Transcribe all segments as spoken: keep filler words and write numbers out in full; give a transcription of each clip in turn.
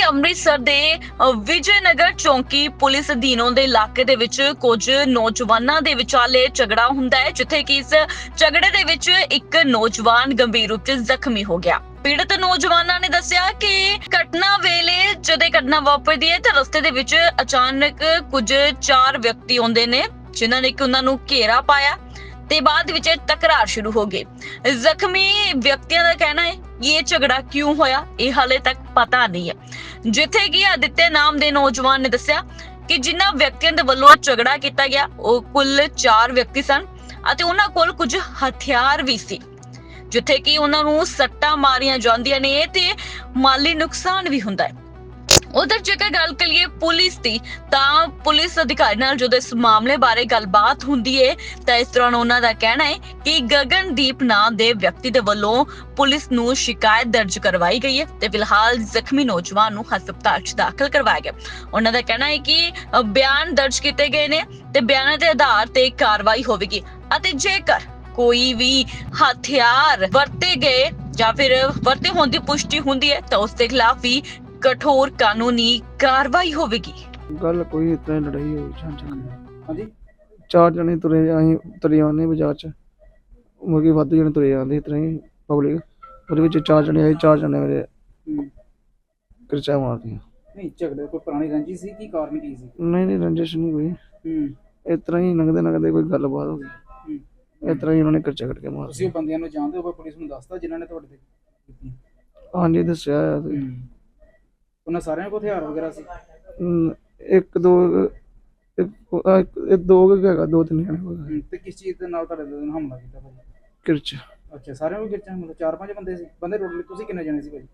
ਅੰਮ੍ਰਿਤਸਰ ਦੇ ਅ, ਵਿਜੇ ਨਗਰ ਚੌਂਕੀ ਪੁਲਿਸ ਅਧੀਨ ਆਉਂਦੇ ਇਲਾਕੇ ਦੇ ਵਿੱਚ ਕੁਝ ਨੌਜਵਾਨਾਂ ਦੇ ਵਿਚਾਲੇ ਝਗੜਾ ਹੁੰਦਾ ਹੈ, ਜਿੱਥੇ ਕਿ ਇਸ ਝਗੜੇ ਦੇ ਵਿੱਚ ਇੱਕ ਨੌਜਵਾਨ ਗੰਭੀਰ ਰੂਪ 'ਚ ਜ਼ਖਮੀ ਹੋ ਗਿਆ। ਪੀੜਤ ਨੌਜਵਾਨਾਂ ਨੇ ਦੱਸਿਆ ਕਿ ਘਟਨਾ ਵੇਲੇ ਜਦੋਂ ਘਟਨਾ ਵਾਪਰਦੀ ਹੈ ਤਾਂ ਰਸਤੇ ਦੇ ਵਿੱਚ ਅਚਾਨਕ ਕੁਝ ਚਾਰ ਵਿਅਕਤੀ ਆਉਂਦੇ ਨੇ, ਜਿਨ੍ਹਾਂ ਨੇ ਕਿ ਉਹਨਾਂ ਨੂੰ ਘੇਰਾ ਪਾਇਆ ਤੇ ਬਾਅਦ ਵਿੱਚ ਤਕਰਾਰ ਸ਼ੁਰੂ ਹੋ ਗਈ। ਜ਼ਖਮੀ ਵਿਅਕਤੀਆਂ ਦਾ ਕਹਿਣਾ ਹੈ ਕਿ ਇਹ ਝਗੜਾ ਕਿਉਂ ਹੋਇਆ ਇਹ ਹਾਲੇ ਤੱਕ ਪਤਾ ਨਹੀਂ ਹੈ। ਜਿੱਥੇ ਕਿ ਆਦਿਤਿਆ ਨਾਮ ਦੇ ਨੌਜਵਾਨ ਨੇ ਦੱਸਿਆ ਕਿ ਜਿਨ੍ਹਾਂ ਵਿਅਕਤੀਆਂ ਦੇ ਵੱਲੋਂ ਝਗੜਾ ਕੀਤਾ ਗਿਆ ਉਹ ਕੁੱਲ ਚਾਰ ਵਿਅਕਤੀ ਸਨ ਅਤੇ ਉਹਨਾਂ ਕੋਲ ਕੁਝ ਹਥਿਆਰ ਵੀ ਸੀ, ਜਿੱਥੇ ਕਿ ਉਹਨਾਂ ਨੂੰ ਸੱਟਾਂ ਮਾਰੀਆਂ ਜਾਂਦੀਆਂ ਨੇ ਤੇ ਮਾਲੀ ਨੁਕਸਾਨ ਵੀ ਹੁੰਦਾ ਹੈ। ਉਧਰ ਜੇਕਰ ਗੱਲ ਕਰੀਏ ਪੁਲਿਸ ਦੀ, ਤਾਂ ਪੁਲਿਸ ਅਧਿਕਾਰੀ ਨਾਲ ਜਦੋਂ ਇਸ ਮਾਮਲੇ ਬਾਰੇ ਗੱਲਬਾਤ ਹੁੰਦੀ ਹੈ ਤਾਂ ਇਸ ਦੌਰਾਨ ਉਹਨਾਂ ਦਾ ਕਹਿਣਾ ਹੈ ਕਿ ਗਗਨਦੀਪ ਨਾਮ ਦੇ ਵਿਅਕਤੀ ਦੇ ਵੱਲੋਂ ਪੁਲਿਸ ਨੂੰ ਸ਼ਿਕਾਇਤ ਦਰਜ ਕਰਵਾਈ ਗਈ ਹੈ ਤੇ ਫਿਲਹਾਲ ਜ਼ਖਮੀ ਨੌਜਵਾਨ ਨੂੰ ਹਸਪਤਾਲ 'ਚ ਦਾਖਲ ਕਰਵਾਇਆ ਗਿਆ। ਉਹਨਾਂ ਦਾ ਕਹਿਣਾ ਹੈ ਕਿ ਬਿਆਨ ਦਰਜ ਕੀਤੇ ਗਏ ਨੇ ਤੇ ਬਿਆਨਾਂ ਦੇ ਆਧਾਰ ਤੇ ਕਾਰਵਾਈ ਹੋਵੇਗੀ ਅਤੇ ਜੇਕਰ ਕੋਈ ਵੀ ਹਥਿਆਰ ਵਰਤੇ ਗਏ ਜਾਂ ਫਿਰ ਵਰਤੇ ਹੋਣ ਦੀ ਪੁਸ਼ਟੀ ਹੁੰਦੀ ਹੈ ਤਾਂ ਉਸ ਦੇ ਖਿਲਾਫ ਵੀ कठोर कानूनी कार्रवाई होगी। गल कोई इतना लड़ाई हो हाँ जी चार जने तुरे अं तुरे आने बाजार च मुर्गी वाधू जने तुरे आते इतना ही पब्लिक वो चार जने आए चार जने मेरे किरचा मार दी। नहीं झगड़े कोई पुरानी रंजिश सी की कारण की सी? नहीं नहीं रंजिश नहीं कोई, इतना ही लंघते लंघते कोई गलबात हो गई, इतना ही उन्होंने किरचा कट के मार दिया। बंदियां नूं जानदे हो पुलिस नूं दसदा जिन्हां ने तुहाडे ते कीती? हाँ जी दस्सिया ਉਹਨਾਂ ਸਾਰਿਆਂ ਕੋਲ ਹਥਿਆਰ ਵਗੈਰਾ ਸੀ? ਇੱਕ ਦੋ ਇੱਕ ਦੋ ਹੈਗਾ ਦੋ ਤਿੰਨ ਜਣੇ। ਤੇ ਕਿਸ ਚੀਜ਼ ਦੇ ਨਾਲ ਤੁਹਾਡੇ ਤੇ ਹਮਲਾ ਕੀਤਾ ਭਾਜੀ? ਕਿਰਚ। ਅੱਛਾ ਸਾਰਿਆਂ ਕੋਲ ਕਿਰਚਾਂ, ਮਤਲਬ ਚਾਰ ਪੰਜ ਬੰਦੇ ਸੀ? ਬੰਦੇ ਟੋਟਲ ਤੁਸੀਂ ਕਿੰਨੇ ਜਣੇ ਸੀ ਭਾਜੀ?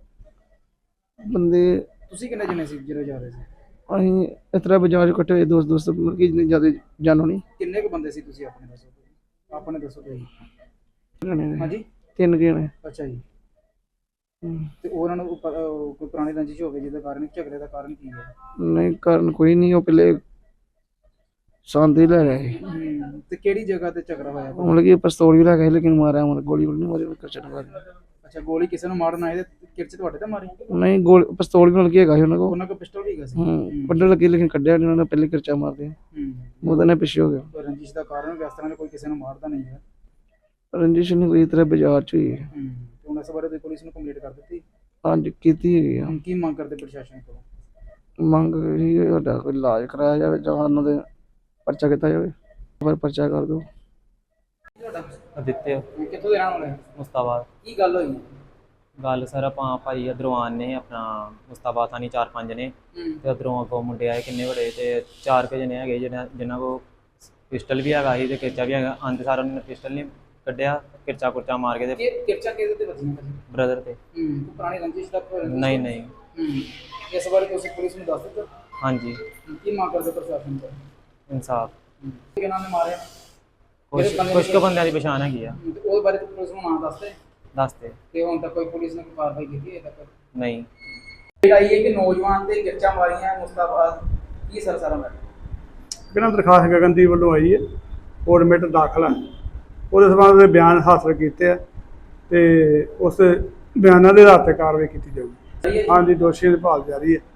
ਬੰਦੇ ਤੁਸੀਂ ਕਿੰਨੇ ਜਣੇ ਸੀ ਜਿਹੜੇ ਜਾ ਰਹੇ ਸੀ? ਅਸੀਂ ਇਸ ਤਰ੍ਹਾਂ ਬਾਜ਼ਾਰ ਇਕੱਠੇ ਹੋਏ ਦੋਸਤ ਦੋਸਤ ਕਿ ਜਿੰਨੇ ਜ਼ਿਆਦਾ ਜਾਣੋ ਨਹੀਂ। ਕਿੰਨੇ ਕੁ ਬੰਦੇ ਸੀ ਤੁਸੀਂ ਆਪਣੇ ਦੱਸੋ? ਆਪਣੇ ਦੱਸੋ ਤੁਸੀਂ। ਹਾਂਜੀ ਤਿੰਨ ਜਣੇ। ਅੱਛਾ ਜੀ। ਤੇ ਉਹਨਾਂ ਨੂੰ ਕੋਈ ਪੁਰਾਣੀ ਰੰਜਿਸ਼ ਹੋਵੇ ਜਿਹਦੇ ਕਾਰਨ ਝਗੜੇ ਦਾ ਕਾਰਨ ਕੀ ਹੈ? ਨਹੀਂ ਕਾਰਨ ਕੋਈ ਨਹੀਂ, ਉਹ ਪਹਿਲੇ ਸੰਦੇ ਲੈ ਰਹੇ ਤੇ ਕਿਹੜੀ ਜਗ੍ਹਾ ਤੇ ਝਗੜਾ ਹੋਇਆ? ਮਤਲਬ ਕਿ ਪਿਸਤੌਲ ਵੀ ਲੈ ਗਏ ਲੇਕਿਨ ਮਾਰਿਆ ਮਤਲਬ ਗੋਲੀ ਨਹੀਂ ਮਾਰੀ ਕਿਰਚ ਨਾਲ। ਅੱਛਾ ਗੋਲੀ ਕਿਸੇ ਨੂੰ ਮਾਰਨ ਆਏ ਤੇ ਕਿਰਚ ਤੁਹਾਡੇ ਤੇ ਮਾਰੀ? ਨਹੀਂ ਗੋਲ ਪਿਸਤੌਲ ਵੀ ਮਤਲਬ ਕਿ ਹੈਗਾ ਸੀ ਉਹਨਾਂ ਕੋਲ। ਉਹਨਾਂ ਕੋਲ ਪਿਸਤੌਲ ਵੀ ਹੈਗਾ ਸੀ? ਹੂੰ ਕੱਢਣ ਲੱਗੇ ਲੇਕਿਨ ਕੱਢਿਆ ਨਹੀਂ ਉਹਨਾਂ ਨੇ, ਪਹਿਲੇ ਕਿਰਚਾ ਮਾਰਦੇ ਉਹਦੇ ਨਾਲ ਪਿੱਛੇ ਹੋ ਗਿਆ। ਰੰਜਿਸ਼ ਦਾ ਕਾਰਨ ਇਸ ਤਰ੍ਹਾਂ ਕੋਈ ਕਿਸੇ ਨੂੰ ਮਾਰਦਾ ਨਹੀਂ ਹੈ। ਰੰਜਿਸ਼ ਨਹੀਂ ਕੋਈ ਤਰ੍ਹਾਂ ਬਾਜ਼ਾਰ ਚ ਹੋਈ ਹੈ। ਹੁਣ ਇਸ ਬਾਰੇ ਤੁਸੀਂ ਪੁਲਿਸ ਨੂੰ ਕੰਪਲੇਂਟ ਕਰ ਦਿੱਤੀ? ਹਾਂਜੀ ਕੀਤੀ ਹੈਗੀ ਆ। ਕੀ ਮੰਗ ਕਰਦੇ ਪ੍ਰਸ਼ਾਸਨ ਕੋਲੋਂ? ਮੰਗ ਇਹ ਸਾਡਾ ਕੋਈ ਇਲਾਜ ਕਰਾਇਆ ਜਾਵੇ ਜਾਂ ਉਹਨਾਂ ਦੇ ਪਰਚਾ ਕੀਤਾ ਜਾਵੇ, ਪਰ ਪਰਚਾ ਕਰ ਦਿਓ। ਆਦਿਤਿਆ ਕਿੱਥੋਂ ਦੇ ਰਹਿਣ ਵਾਲੇ? ਮੁਸਤਾਬਾਦ। ਕੀ ਗੱਲ ਹੋਈ? ਗੱਲ ਸਰ ਆਪਾਂ ਭਾਈ ਇੱਧਰੋਂ ਆਨੇ ਆਪਣਾ ਮੁਸਤਾਬਾਦ ਥਾਣੀ ਚਾਰ ਪੰਜ ਨੇ ਤੇ ਉੱਧਰੋਂ ਅੱਗੋਂ ਮੁੰਡੇ ਆਏ ਕਿੰਨੇ ਬੜੇ ਤੇ ਚਾਰ ਕੁ ਜਣੇ ਹੈਗੇ ਜਿਹਨਾਂ ਜਿਨ੍ਹਾਂ ਕੋਲ ਪਿਸਟਲ ਵੀ ਹੈਗਾ ਸੀ ਤੇ ਕਿਰਚਾ ਵੀ ਹੈਗਾ। ਆਂਦੇ ਸਾਰ ਉਹਨਾਂ ਨੇ ਪਿਸਟਲ ਨਹੀਂ ਕੱਢਿਆ, ਕਿਰਚਾ ਕੁਰਚਾ ਮਾਰ ਕੇ ਤੇ ਕਿਰਚਾ ਕਿਹਦੇ ਤੇ ਵੱਜੀਆਂ? ਬ੍ਰਦਰ ਤੇ। ਹੂੰ ਪੁਰਾਣੀ ਰੰਜਿਸ਼ ਦਾ? ਨਹੀਂ ਨਹੀਂ। ਹੂੰ ਇਸ ਬਾਰੇ ਤੁਸੀਂ ਪੁਲਿਸ ਨੂੰ ਦੱਸ ਦਿੱਤਾ? ਹਾਂਜੀ। ਕੀ ਮੰਗ ਕਰਦੇ ਪ੍ਰਸ਼ਾਸਨ ਤੋਂ? ਇਨਸਾਫ। ਕਿਹਨਾਂ ਨੇ ਮਾਰਿਆ? ਕੁਛ ਕੁਛ ਕੁ ਬੰਦਿਆਂ ਦੀ ਪਛਾਣ ਹੈਗੀ ਆ। ਉਹਦੇ ਬਾਰੇ ਪੁਲਿਸ ਨੂੰ ਨਾਂ ਦੱਸਦੇ? ਦੱਸਦੇ। ਤੇ ਹੁਣ ਤੱਕ ਕੋਈ ਪੁਲਿਸ ਨੇ ਕੋਈ ਕਾਰਵਾਈ ਕੀਤੀ ਹੈ ਤੱਕ? ਨਹੀਂ। ਇਹ ਆਈ ਹੈ ਕਿ ਨੌਜਵਾਨ ਤੇ ਕਿਰਚਾ ਮਾਰੀਆਂ ਮੁਸਤਾਬਾਦ, ਕੀ ਸਰ ਸਾਰਾ ਮੈਟਰ? ਬਿਨਾਂ ਦਰਖਾਸਤ ਗਗਨਦੀਪ ਵੱਲੋਂ ਆਈ ਹੈ, ਕੋਰਟ ਮੈਟਰ ਦਾਖਲ ਹੈ, ਉਹਦੇ ਸੰਬੰਧ ਵਿੱਚ ਬਿਆਨ ਹਾਸਲ ਕੀਤੇ ਆ ਤੇ ਉਸ ਬਿਆਨਾਂ ਦੇ ਆਧਾਰ ਤੇ ਕਾਰਵਾਈ ਕੀਤੀ ਜਾਊਗੀ। ਹਾਂਜੀ ਦੋਸ਼ੀਆਂ ਦੀ ਭਾਲ ਜਾਰੀ ਹੈ।